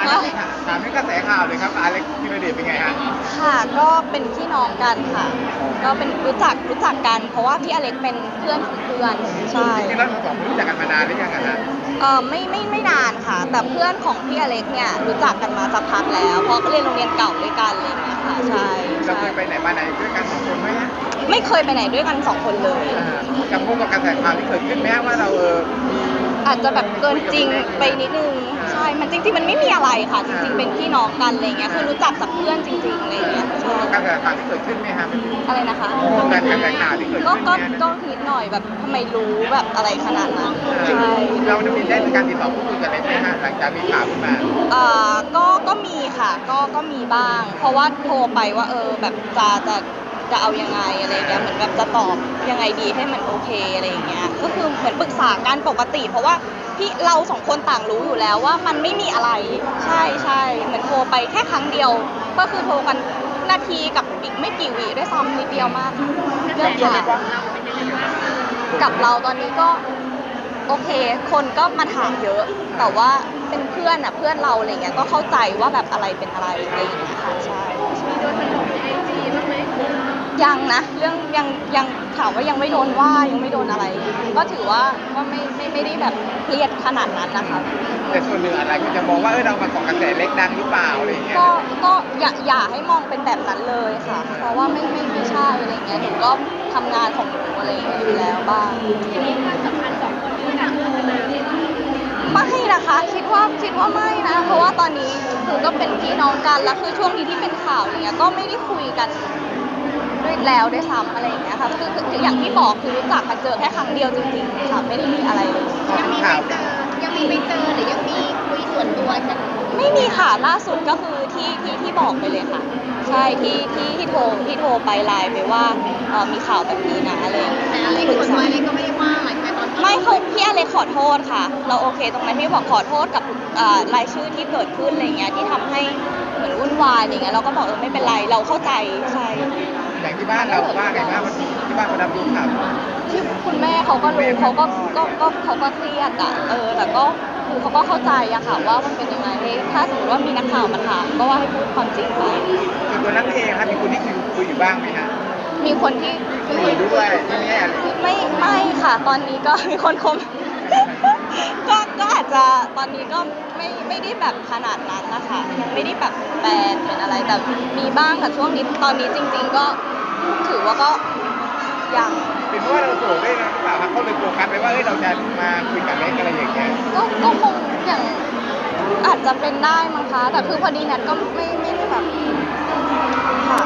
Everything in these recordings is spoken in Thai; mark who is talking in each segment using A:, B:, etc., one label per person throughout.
A: ถามเรื่องกระแสข่าวเลยครับอเล็กธีรเดชเป็นไงฮะ
B: ค่ะก็เป็นพี่น้องกันค่ะก็เป็นรู้จักกันเพราะว่าพี่อเล็กเป็นเพื่อนของเพื่อนใช่
A: จริงๆแล้วเราสองคนรู้จักกันมานานหรือยังอะฮะ
B: ไม่นานค่ะแต่เพื่อนของพี่อเล็กเนี่ยรู้จักกันมาสักพักแล้วเพราะเรียนโรงเรียนเก่าด้วยกันอะไรอย่างเงี้ยค่ะใช่
A: เราเคยไปไหนมาไหนด้วยกันสองคนไหมฮะ
B: ไม่เคยไปไหนด้วยกัน2 คนเลย
A: กับพวกกับกระแสข่าวที่เกิดขึ้นแม้ว่าเรามี
B: อาจจะแบบเกินจริงไปนิดนึงใช่มันจริงๆมันไม่มีอะไรค่ะจริงๆเป็นพี่น้องกันอะไรเงี้ยคือรู้จักจากเพื่อนจริงๆอะไรเงี้ยใช่
A: กระแสข่าวที่เกิดขึ้นไหมฮะ
B: อะไรนะคะ
A: กระแสข่าวที่เกิดขึ้น
B: ก็นิดหน่อยแบบทำไมรู้แบบอะไรขนาดนั้นใช่
A: เราจะมีได้ในการติดต่อพูดคุยกันได้ไหมฮะหลังจากมีข่าวขึ้นมา
B: ก็มีค่ะก็มีบ้างเพราะว่าโทรไปว่าแบบจะเอายังไงอะไรเงี้ยเหมือนแบบจะตอบยังไงดีให้มันโอเคอะไรอย่างเงี้ยก็คือเหมือนปรึกษากันปกติเพราะว่าพี่เรา2 คนต่างรู้อยู่แล้วว่ามันไม่มีอะไรใช่เหมือนโทรไปแค่ครั้งเดียวก็คือโทรกันนาทีกับอีกไม่กี่วิด้วยซ้ำนิดเดียวมากเรื่องข่าวกับเราตอนนี้ก็โอเคคนก็มาถามเยอะแต่ว่าเป็นเพื่อนเพื่อนเราอะไรเงี้ยก็เข้าใจว่าแบบอะไรเป็นอะไรอะไรอย่างเงี้ยค่ะใช่
C: โดนมันลงในIGบ้างไหม
B: ยังนะเรื่องยังถามว่ายังไม่โดนว่ายังไม่โดนอะไรก็ถือว่าไม่ได้แบบเครียดขนาดนั้นนะคะ
A: แต่ส่วนหนึ่งอะไรก็จะมองว่าเรามาเกาะกระแสเล็กดังหรือเปล่าอะไรอย่างเงี้ย
B: ก็อย่าให้มองเป็นแบบนั้นเลยค่ะเพราะว่าไม่ใช่อะไรเงี้ยหนูก็ทำงานของหนูอะไรอย่างเงี้ยอยู่แล้วบ้าง
C: มีความสัมพันธ์2 คนด้วยกันพัฒนาได้ไหม
B: ไม่นะคะคิดว่าไม่นะเพราะว่าตอนนี้คือก็เป็นพี่น้องกันแล้วคือช่วงนี้ที่เป็นข่าวอย่างเงี้ยก็ไม่ได้คุยกันด้วยซ้ำอะไรอย่างเงี้ยค่ะคืออย่างที่บอกคือรู้จักกันเจอแค่ครั้งเดียวจริงๆค่ะไม่ได้มีอะไรเลย
C: ยังมีไปเจอหรือยังมีคุยส่วนตัวกัน
B: ไม่มีค่ะล่าสุดก็คือที่บอกไปเลยค่ะใช่ที่โทรไปไลน์ไปว่ามีข่าวแบบนี้นะอะไรอย่างเงี้ย
C: แต่อะไรคนน้อยอะไรก็ไม่ได้ว่าอะไรแต่ตอน
B: ไม่เขาพี่อเล็กขอโทษค่ะเราโอเคตรงนั้นที่บอกขอโทษกับรายชื่อที่เกิดขึ้นอะไรเงี้ยที่ทำให้เหมือนวุ่นวายอะไรเงี้ยเราก็บอกไม่เป็นไรเราเข้าใจใช่
A: อย่างที่บ้านเราว่าไงบ้างที่บ้านคนดำดูข่าว
B: ที่คุณแม่เขาก็รู้เขาก็เครียดแต่ก็คือเขาก็เข้าใจอะค่ะว่ามันเป็นยังไงถ้าสมมติว่ามีนักข่าวมาถามก็ว่าให้พูดความจริงไป
A: ส่วนตัวนักเองครับมีคนที่คุยอยู่บ้างไหมฮะ
B: มีคนที่
A: คุยด้วยที่นี่
B: ไม่ค่ะตอนนี้ก็มีคนคมก็อาจจะตอนนี้ก็ไม่ได้แบบขนาดนั้นนะคะยังไม่ได้แบบแบนเป็นอะไรแต่มีบ้างแต่ช่วงนี้ตอนนี้จริงๆก็ถือว่าก็ยัง
A: เป็นเพราะว่าเราโสดด้วยนะหรือเปล่าครับเขาเลยโฟกัสไปว่าเราจะมาคุยกับเล็กอะไรอย่างเงี้ย
B: ก็คงอย่างอาจจะเป็นได้มั้งคะแต่คือพอดีนัดก็ไม่ได้แบบค่ะ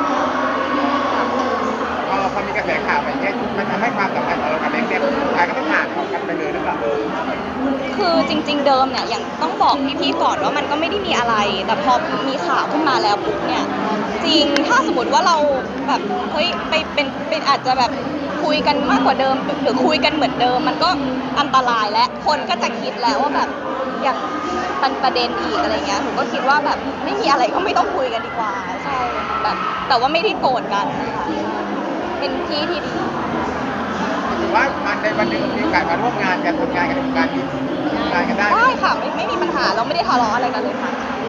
A: พอมีกระแสข่าวไปเนี่ยมันทำให้ความสัมพันธ์ของเรากับเล็กเนี่ยกลายก็ต้องผ่านกันไปเลยหรือเปล่า
B: คือจริงๆเดิมเนี่ยอย่างต้องบอกพี่ๆก่อนว่ามันก็ไม่ได้มีอะไรแต่พอมีข่าวขึ้นมาแล้วปุ๊บเนี่ยจริงถ้าสมมติว่าเราแบบเฮ้ยไปเป็นอาจจะแบบคุยกันมากกว่าเดิมหรือคุยกันเหมือนเดิมมันก็อันตรายและคนก็จะคิดแล้วว่าแบบอย่างประเด็นอีกอะไรเงี้ยหนูก็คิดว่าแบบไม่มีอะไรก็ไม่ต้องคุยกันดีกว่าใช่แบบแต่ว่าไม่ได้โกรธกันนะคะเป็นที่ที่ดี
A: ถือว่ามันในวันหนึ่งมีโอกาสมาร่วมงานกันทำงานกันได้
B: ค่ะไม่มีปัญหาเราไม่ได้ทะเลาะอะไรกันเลยค่ะ